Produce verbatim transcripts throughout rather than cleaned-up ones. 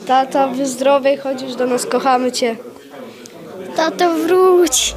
Tata, wyzdrowiej, chodzisz do nas, kochamy cię. Tato, wróć.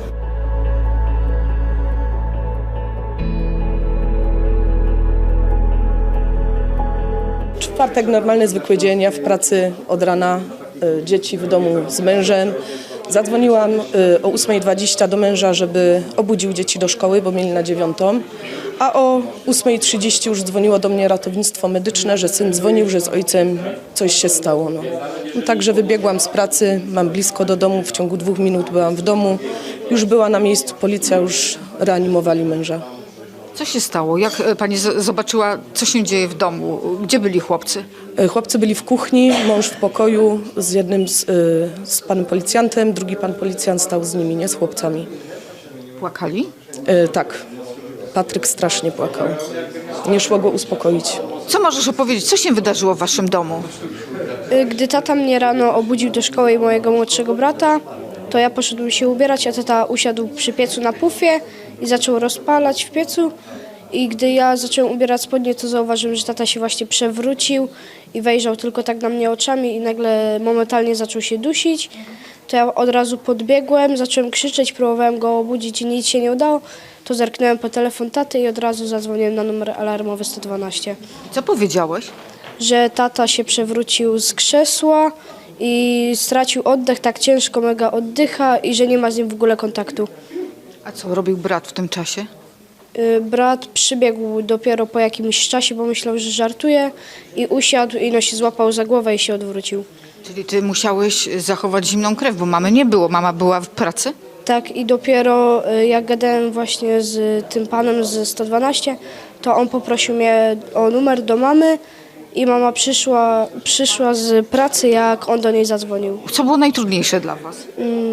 Czwartek normalny, zwykły dzień, ja w pracy od rana, y, dzieci w domu z mężem. Zadzwoniłam y, o ósma dwadzieścia do męża, żeby obudził dzieci do szkoły, bo mieli na dziewiątą. A o ósma trzydzieści już dzwoniło do mnie ratownictwo medyczne, że syn dzwonił, że z ojcem coś się stało. No. No, także wybiegłam z pracy, mam blisko do domu, w ciągu dwóch minut byłam w domu. Już była na miejscu policja, już reanimowali męża. Co się stało? Jak e, pani z- zobaczyła, co się dzieje w domu? Gdzie byli chłopcy? Y, Chłopcy byli w kuchni, mąż w pokoju z jednym z, y, z panem policjantem, drugi pan policjant stał z nimi, nie z chłopcami. Płakali? Y, tak, Patryk strasznie płakał. Nie szło go uspokoić. Co możesz opowiedzieć? Co się wydarzyło w waszym domu? Y, Gdy tata mnie rano obudził do szkoły i mojego młodszego brata, to ja poszedłem się ubierać, a tata usiadł przy piecu na pufie i zaczął rozpalać w piecu. I gdy ja zacząłem ubierać spodnie, to zauważyłem, że tata się właśnie przewrócił i wejrzał tylko tak na mnie oczami i nagle momentalnie zaczął się dusić. To ja od razu podbiegłem, zacząłem krzyczeć, próbowałem go obudzić i nic się nie udało. To zerknąłem po telefon taty i od razu zadzwoniłem na numer alarmowy sto dwanaście. Co powiedziałeś? Że tata się przewrócił z krzesła i stracił oddech, tak ciężko mega oddycha i że nie ma z nim w ogóle kontaktu. A co robił brat w tym czasie? Y, Brat przybiegł dopiero po jakimś czasie, bo myślał, że żartuje i usiadł i no się złapał za głowę i się odwrócił. Czyli ty musiałeś zachować zimną krew, bo mamy nie było. Mama była w pracy? Tak i dopiero y, jak gadałem właśnie z tym panem z sto dwanaście, to on poprosił mnie o numer do mamy i mama przyszła, przyszła z pracy, jak on do niej zadzwonił. Co było najtrudniejsze dla was?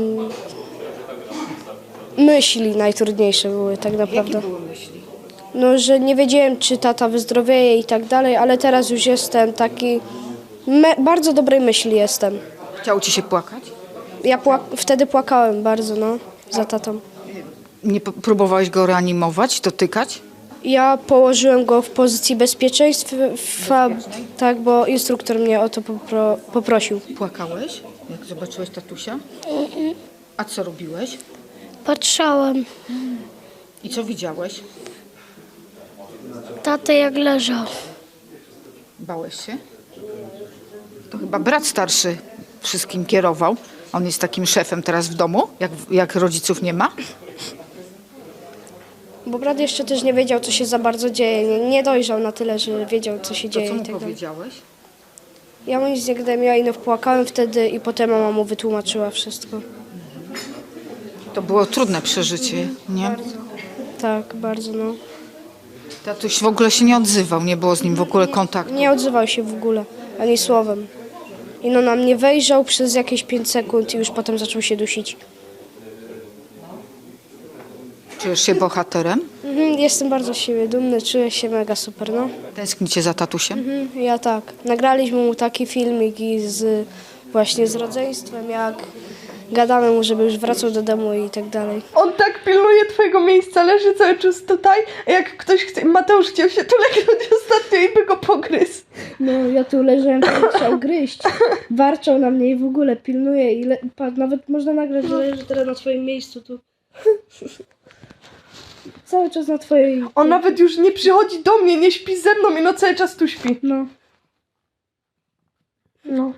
Myśli najtrudniejsze były tak naprawdę. Jakie były myśli? No, że nie wiedziałem, czy tata wyzdrowieje i tak dalej, ale teraz już jestem taki, me, bardzo dobrej myśli jestem. Chciało ci się płakać? Ja płak- wtedy płakałem bardzo, no, za tatą. Nie p- próbowałeś go reanimować, dotykać? Ja położyłem go w pozycji bezpieczeństwa, tak, bo instruktor mnie o to popro- poprosił. Płakałeś, jak zobaczyłeś tatusia? A co robiłeś? Patrzałem. I co widziałeś? Tatę jak leżał. Bałeś się? To chyba brat starszy wszystkim kierował. On jest takim szefem teraz w domu, jak, jak rodziców nie ma. Bo brat jeszcze też nie wiedział, co się za bardzo dzieje. Nie, nie dojrzał na tyle, że wiedział, co się To dzieje co i mu tak dalej. powiedziałeś? Ja mu nic nie gadałem, ja ino płakałem wtedy i potem mama mu wytłumaczyła wszystko. To było trudne przeżycie, nie? Tak, bardzo, no. Tatuś w ogóle się nie odzywał, nie było z nim w ogóle kontaktu. Nie odzywał się w ogóle, ani słowem. I no na mnie wejrzał przez jakieś pięć sekund i już potem zaczął się dusić. Czujesz się bohaterem? Mhm, jestem bardzo z siebie dumny, czuję się mega super, no. Tęsknicie za tatusiem? Mhm, ja tak. Nagraliśmy mu taki filmik i z, właśnie z rodzeństwem, jak gadamy mu, żeby już wracał do domu i tak dalej. On tak pilnuje twojego miejsca, leży cały czas tutaj, a jak ktoś chce, Mateusz chciał się tu legnąć ostatnio i by go pogryzł. No, ja tu leżałem, to chciał gryźć. Warczał na mnie i w ogóle pilnuje i le- pa, nawet można nagrać, że leży teraz na twoim miejscu tu. Cały czas na twojej... On nawet już nie przychodzi do mnie, nie śpi ze mną i no cały czas tu śpi. No. No.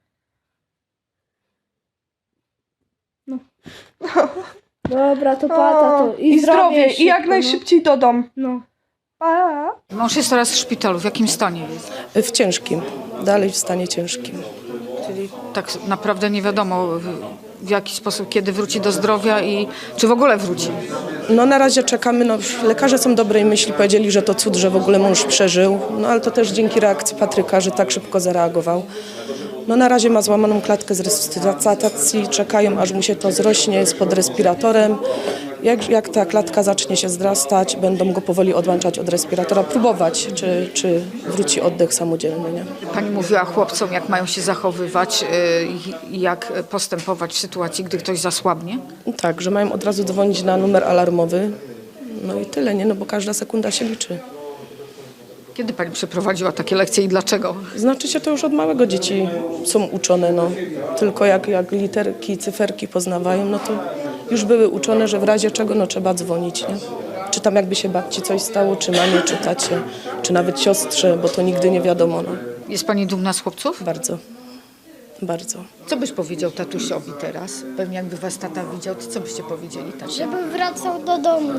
Dobra, to pata to. I zdrowie, i jak szybko, najszybciej do domu. No. Pa. Mąż jest teraz w szpitalu. W jakim stanie jest? W ciężkim, dalej w stanie ciężkim. Czyli tak naprawdę nie wiadomo w, w jaki sposób, kiedy wróci do zdrowia i czy w ogóle wróci. No na razie czekamy, no lekarze są dobrej myśli, powiedzieli, że to cud, że w ogóle mąż przeżył, no ale to też dzięki reakcji Patryka, że tak szybko zareagował. No na razie ma złamaną klatkę z resuscytacji, czekają aż mu się to zrośnie, jest pod respiratorem. Jak, jak ta klatka zacznie się zrastać, będą go powoli odłączać od respiratora, próbować, czy, czy wróci oddech samodzielny, nie? Pani mówiła chłopcom, jak mają się zachowywać y, i jak postępować w sytuacji, gdy ktoś zasłabnie. Tak, że mają od razu dzwonić na numer alarmowy, no i tyle, nie? No bo każda sekunda się liczy. Kiedy pani przeprowadziła takie lekcje i dlaczego? Znaczy się to już od małego dzieci są uczone, no. Tylko jak, jak literki, cyferki poznawają, no to już były uczone, że w razie czego no trzeba dzwonić, nie? Czy tam jakby się babci coś stało, czy mamie, czy tacie, czy nawet siostrze, bo to nigdy nie wiadomo, no. Jest pani dumna z chłopców? Bardzo, bardzo. Co byś powiedział tatusiowi teraz? Pewnie jakby was tata widział, to co byście powiedzieli tacie? Żeby wracał do domu.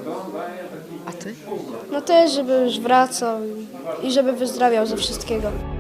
A ty? No też, żeby już wracał i, i żeby wyzdrawiał ze wszystkiego.